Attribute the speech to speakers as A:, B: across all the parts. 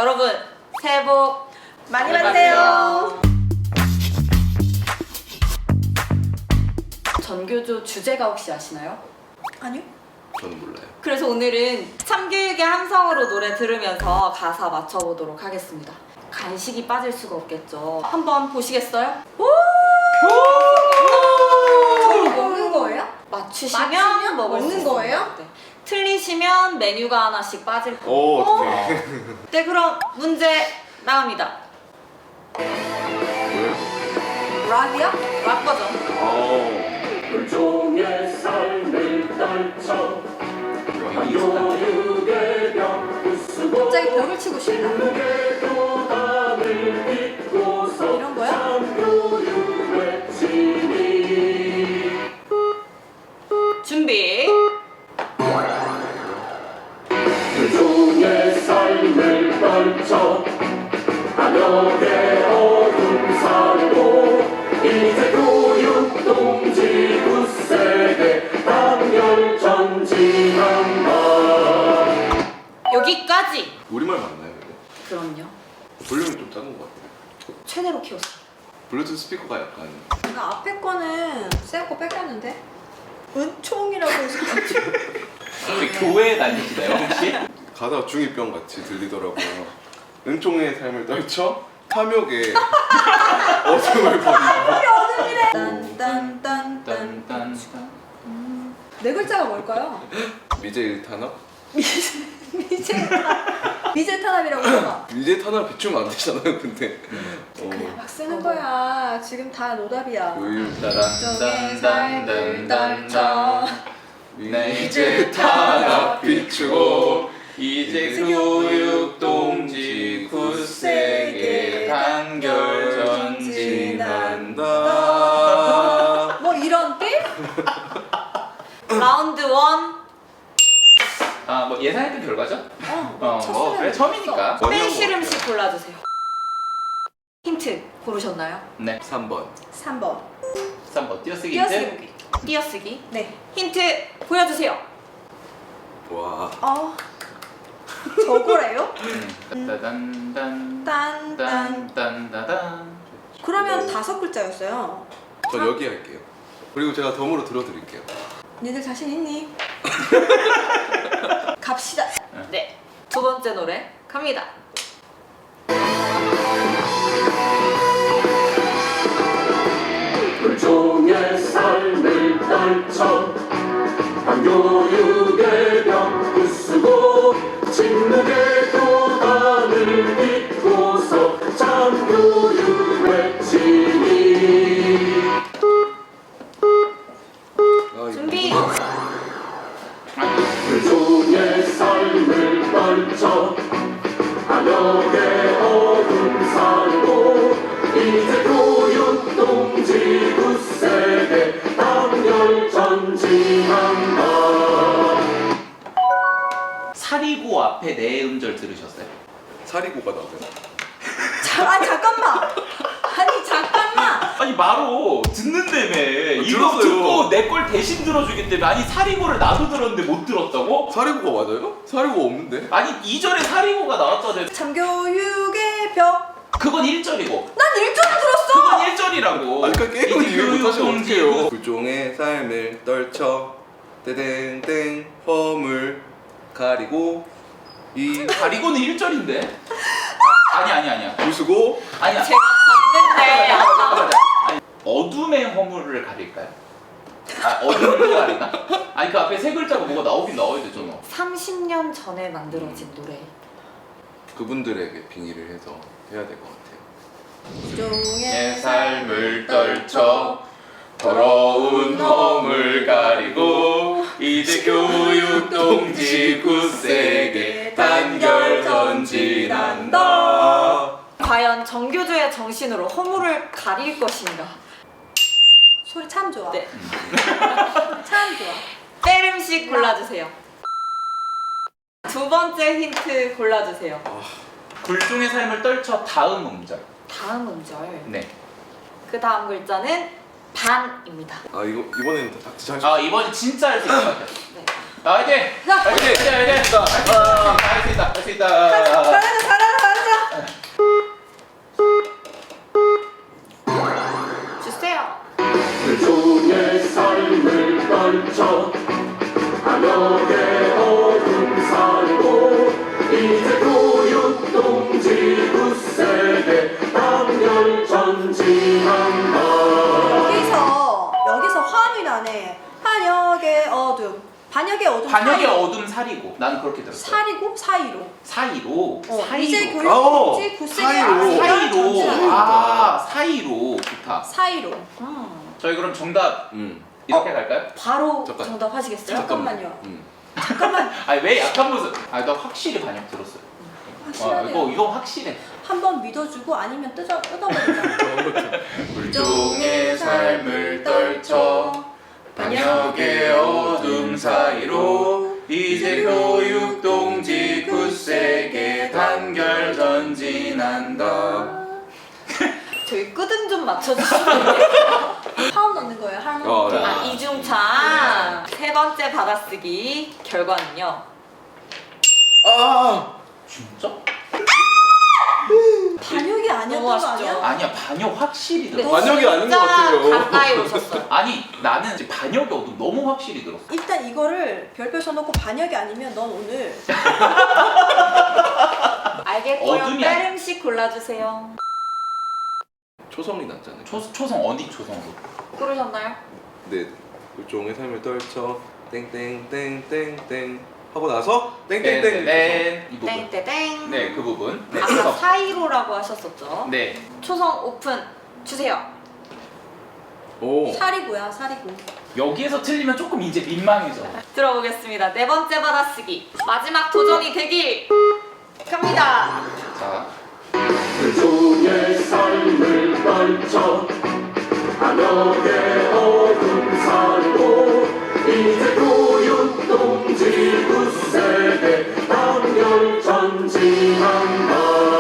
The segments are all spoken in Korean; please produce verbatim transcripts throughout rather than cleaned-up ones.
A: 여러분 새해 복
B: 많이 받으세요.
A: 전교조 주제가 혹시 아시나요?
B: 아니요?
C: 저는 몰라요.
A: 그래서 오늘은 참교육의 함성으로 노래 들으면서 가사 맞춰보도록 하겠습니다. 간식이 빠질 수가 없겠죠. 한번 보시겠어요?
B: 저희 먹는 거예요?
A: 맞추시면
B: 맞추면
A: 먹을 수
B: 먹는
A: 있습니다.
B: 거예요?
A: 네. 틀리시면 메뉴가 하나씩 빠질 거예요.
C: 오, 어떡해.
A: 네, 그럼 문제 나갑니다.
C: 뭐야?
B: 락이요?
A: 락 버전.
C: 어.
D: 불종의 삶을 떨쳐 교육의 벽 부수고
B: 갑자기 벽을 치고 싶다.
D: 무게 교단을 딛고서
B: 이런 거야?
D: 참교육 외치니
A: 준비.
D: 불종의 삶을 떨쳐 안역의 어둠 살고 이제 교육 동지 굳세게 단결 전진한다.
A: 여기까지.
C: 우리말 맞나요, 근데?
A: 그럼요.
C: 볼륨이 좀 작은 것 같아요.
A: 최대로 키웠어요.
C: 블루투스 스피커가 약간
B: 나 앞에 거는 쌤거 뺏겼는데? 은총이라고 해서
E: 혹시 교회에 다니시나요 혹시?
C: 가사가 중이병 같이 들리더라고요. 은총의 삶을 떨쳐 탐욕의 어둠을 버리고.
B: 딴딴딴딴
E: 딴딴.
B: 네 글자가 뭘까요?
C: 미제 일탄압?
B: 미제 미제 탄압이라고 해봐.
C: 미제 탄압 비추면 안 되잖아요, 근데.
B: 그냥
C: 어.
B: 막 쓰는 거야. 지금 다 노답이야.
C: 교육
B: 쪽의 삶을 떨쳐
E: 네 이제 탄압 비추고 이제 교육 동지 굳세게 단결 전진한다.
C: 나.
B: 뭐 이런 게임?
A: 라운드 원.
E: 아뭐 예상했던 결과죠?
B: 어,
E: 어,
B: 첫
E: 뭐 그래
B: 수련
E: 처음이니까.
A: 빼실 음식 골라주세요. 힌트 고르셨나요?
E: 네
C: 삼 번.
B: 삼 번.
E: 삼 번 띄어쓰기
B: 띄어쓰기
E: 힌트.
B: 보기.
A: 띄어쓰기.
B: 네.
A: 힌트 보여주세요.
C: 와.
B: 어. 저거래요?
E: 음. 따단단
B: 딴딴.
E: 딴딴따단.
B: 그러면 다섯 글자였어요.
C: 저 여기 할게요. 그리고 제가 덤으로 들어드릴게요.
B: 니들 자신 있니? 갑시다.
A: 네. 두 번째 노래 갑니다.
D: 불종의 삶을 떨쳐 반교육의 벽 부수고 침묵의 교단을 딛고서 참교육 외치니
C: 아, 이거
A: 준비.
D: 불종의 삶을 떨쳐 안역의 어둠 살고 이제 교육 동지 굳세게 단결 전진한다.
E: 사리고 앞에 네 음절 들으셨어요?
C: 사리고가 나와요.
B: 자, 아니 잠깐만. 아니 잠깐만.
E: 아니 마로 듣는다며 이거
C: 들었어요.
E: 듣고 내 걸 대신 들어주겠다며. 아니 사리고를 나도 들었는데 못 들었다고?
C: 사리고가 맞아요? 사리고가 없는데?
E: 아니 이 절에 사리고가 나왔잖아요.
B: 참교육의 벽.
E: 그건 일 절이고
B: 난 일 절을 들었어.
E: 그건 일 절이라고.
C: 아까 게임을
E: 이제
C: 이해 못하시
E: 교육
C: 어떡해요.
E: 동지
C: 불종의 삶을 떨쳐 땡땡땡 허물 가리고 이
E: 가리고는 일 절인데? 아니 아니 아니야.
C: 부수고
E: 아니야.
A: 제가 봤는데
E: 아니, 어둠의 허물을 가릴까요? 아 어둠을 가리나? 아니 그 앞에 세 글자가 뭐가 나오긴 나와야 되잖아.
A: 삼십 년 전에 만들어진 노래.
C: 그분들에게 빙의를 해서 해야 될 것 같아요.
E: 내 삶을 떨쳐 더러운 허물 가리고 이제 교육 동지 굳세게 단결 전진한다.
A: 과연 정교조의 정신으로 허물을 가릴 것인가?
B: 소리 참 좋아.
A: 네.
B: 참 좋아.
A: 뺄 음식 골라주세요. 두 번째 힌트 골라주세요.
E: 불종의 삶을 떨쳐 다음 음절.
A: 다음 음절.
E: 네.
A: 그 다음 글자는 반입니다.
C: 아 이거 이번에는 다 잘.
E: 아 이번엔 진짜 할 수 있을 것 같아요.
A: 네.
E: 나 화이팅!
B: 자,
E: 화이팅! 화이팅! 화이팅! 할 수 있다! 할 수 있다! 할 수 있다!
B: 잘하자, 잘하자, 잘하자.
E: 반역의
B: 사이로.
E: 어둠 사리고 나는 그렇게 들었어요.
B: 사리고 사이로.
E: 사이로
B: 어,
E: 사이로
B: 이제
C: 어,
B: 교육동지 굳세게
C: 사이로.
E: 아, 사이로
B: 전진하는
E: 아 사이로 좋다.
B: 사이로.
A: 음.
E: 저희 그럼 정답
C: 음.
E: 이렇게 갈까요?
A: 바로
C: 잠깐.
A: 정답하시겠어요?
B: 잠깐만요.
C: 음.
B: 잠깐만.
E: 아니 왜 약한 모습? 아나 확실히 반역 들었어요. 어,
B: 확실하네요.
E: 이거 이거 확실해.
B: 한번 믿어주고 아니면 뜯어 뜯어버린다.
E: 불종의 삶을 떨쳐 반역의 어둠 사이로 이제 교육동지 굳세게 단결 전진한다.
A: 저희 끄듬 좀 맞춰주시면
B: 파운 넣는 거예요. 하나.
C: 어, 네.
A: 아, 이중창 세 번째 받아쓰기 결과는요.
C: 아.
E: 진짜?
B: 반역이 아니었던
A: 너무
B: 거
A: 아쉽죠?
B: 아니야?
E: 아니야 반역 확실히
A: 근데
E: 들었어.
C: 반역이 아닌 것
A: 진짜
C: 같아요.
A: 가까이 오셨어요.
E: 아니 나는 이제 반역의 어둠 너무 확실히 들었어.
B: 일단 이거를 별표 써놓고 반역이 아니면 넌 오늘
A: 알겠고요.
E: 어둠이 아니-
A: 빼름씩 골라주세요.
C: 초성이 났잖아요.
E: 초, 초성 어디 초성으로?
A: 고르셨나요?
C: 네. 불종의 삶을 떨쳐 땡땡땡땡땡 하고 나서 땡땡땡.
E: 땡땡땡 이 부분.
A: 땡땡땡.
E: 네 그 부분. 네
A: 아까
E: 초성.
A: 사이로라고 하셨었죠?
E: 네.
A: 초성 오픈 주세요.
C: 오.
B: 사리고야 사리고.
E: 여기에서 틀리면 조금 이제 민망해져.
A: 들어보겠습니다. 네 번째 받아쓰기 마지막 도전이 되길 갑니다.
E: 자.
D: 불종의 삶을 떨쳐 반역의 어둠 사리고 이제 교육동지 굳세게 단결 전진한다.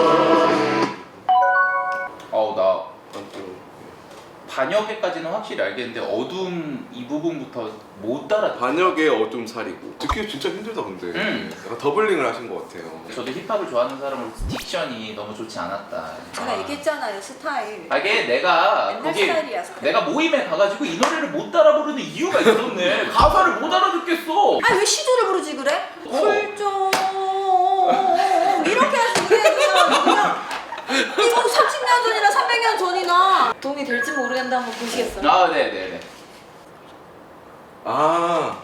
E: 어우 나
C: 깜짝.
E: 반역에까지는 확실히 알겠는데 어둠 이 부분부터 못 따라.
C: 반역의 어둠 사리고. 듣기 진짜 힘들다 근데.
E: 음.
C: 약간 더블링을 하신 것 같아요.
E: 저도 힙합을 좋아하는 사람으로 딕션이 너무 좋지 않았다.
B: 제가
E: 아.
B: 얘기했잖아요 스타일.
E: 아, 이게 내가
B: 옛날
E: 거기
B: 스타일이야 스타일.
E: 내가 모임에 가가지고 이 노래를 못 따라 부르는 이유가 있었네. 가사를 못 알아듣겠어.
B: 아왜 시조를 부르지 그래?
E: 어.
B: 불종 이렇게 하지 그래 그냥 그냥 이거 삼십 년 전이나 삼백 년 전이나.
A: 도움이 될지 모르겠는데 한번 보시겠어요?
E: 아, 네네네.
C: 아.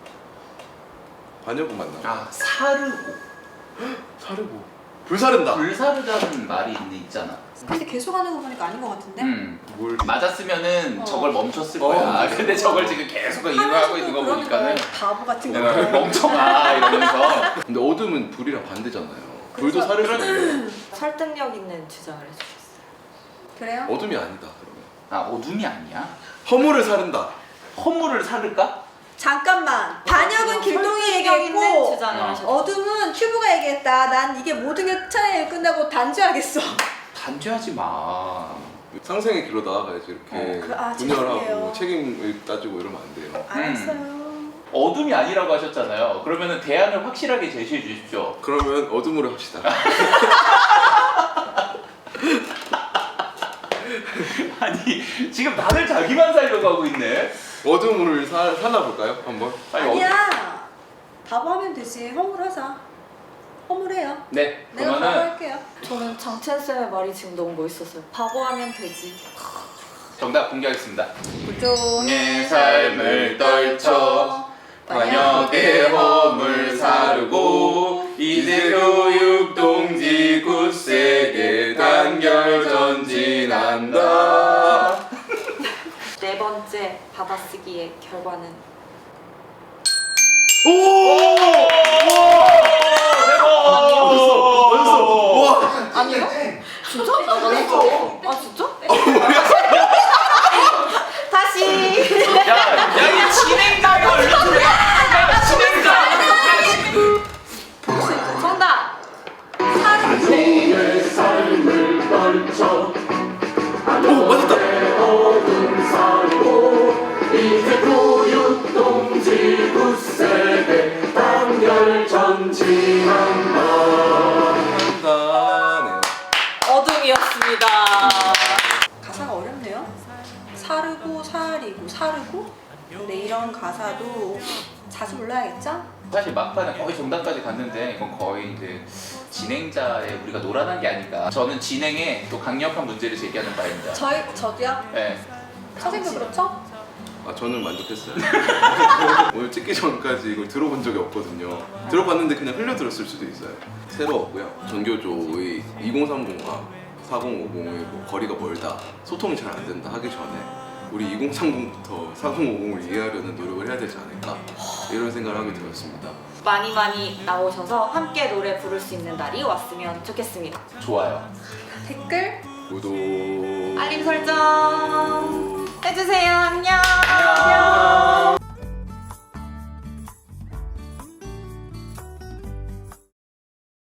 C: 반역은 맞나?
E: 아, 사르고
C: 사르고. 불사른다.
E: 불사르다는 말이 있는데 있잖아.
B: 근데 계속 하는 거 보니까 아닌 것 같은데?
E: 음.
C: 뭘?
E: 맞았으면
B: 어.
E: 저걸 멈췄을
C: 어,
E: 거야.
C: 맞아.
E: 근데 저걸 지금 계속 이용하고 있는 거
B: 그러는
E: 보니까는
B: 거야. 바보 같은 거.
E: 내가 멍청아 이러면서.
C: 근데 어둠은 불이랑 반대잖아요. 불도
B: 그래서-
C: 사를 수도 있는.
A: 설득력 있는 주장을 해주셨어요.
B: 그래요?
C: 어둠이 아니다 그러면.
E: 아, 어둠이 아니야?
C: 허물을 사른다.
E: 허물을 사를까?
B: 잠깐만. 반역은 길동이
A: 설득력 있는
B: 얘기했고
A: 주장을
E: 어.
A: 하셨어요.
B: 어둠은 큐브가 얘기했다. 난 이게 모든 게 차라리 끝나고 단죄하겠어.
E: 단죄하지 마.
C: 상생의 길로 나아가야지 이렇게
E: 어,
B: 그- 아,
C: 분열하고
B: 죄송해요.
C: 책임을 따지고 이러면 안 돼요.
B: 알았어요.
E: 어둠이 아니라고 하셨잖아요. 그러면은 대안을 확실하게 제시해 주십시오.
C: 그러면 어둠으로 합시다.
E: 아니 지금 다들 자기만 살려고 하고 있네.
C: 어둠을 사, 사나 볼까요? 한번.
E: 아니,
B: 아니야. 바보 하면 되지. 허물하자. 허물해요.
E: 네,
B: 내가 바보
E: 그러면은
B: 할게요.
A: 저는 장첸쌤의 말이 지금 너무 멋있었어요. 바보하면 되지.
E: 정답 공개하겠습니다.
B: 불종의
E: 삶을 떨쳐 반역의 허물 사르고 이제 교육동지 굳세게 단결 전진한다.
A: 네 번째 받아쓰기의 결과는
C: 오!
E: 어딨어?
C: 어딨어? 와!
A: 아니요? 진짜? 아 진짜? 다시.
E: 야, 야, 이 진행자가 얼른 들어가. 야, 진행자.
A: 정답.
D: 반종의 삶을 떨쳐
C: 오 맞았다.
D: 어둠 사리고 이제 교육동지 굳세게 단결 전진한다.
C: 한다네요.
A: 어둠이었습니다.
B: 가사가 어렵네요. 사르고 사리고 사르고. 근데 이런 가사도 자주 불러야겠죠?
E: 사실 막판에 거의 정답까지 갔는데 이건 거의 이제 진행자의 우리가 노란한 게 아닐까. 저는 진행에 또 강력한 문제를 제기하는 바입니다.
B: 저희 저도요.
E: 네.
B: 선생님도 그렇죠?
C: 아 저는 만족했어요. 오늘 찍기 전까지 이걸 들어본 적이 없거든요. 들어봤는데 그냥 흘려들었을 수도 있어요. 새로웠고요. 전교조의 이공삼공과 사공오공의 뭐 거리가 멀다, 소통이 잘 안 된다 하기 전에 우리 이공삼공부터 사공오공을 이해하려는 노력을 해야 되지 않을까 이런 생각을 하게 되었습니다.
A: 많이 많이 나오셔서 함께 노래 부를 수 있는 날이 왔으면 좋겠습니다.
E: 좋아요.
B: 댓글
C: 구독,
A: 알림 설정 해주세요. 안녕.
E: 안녕.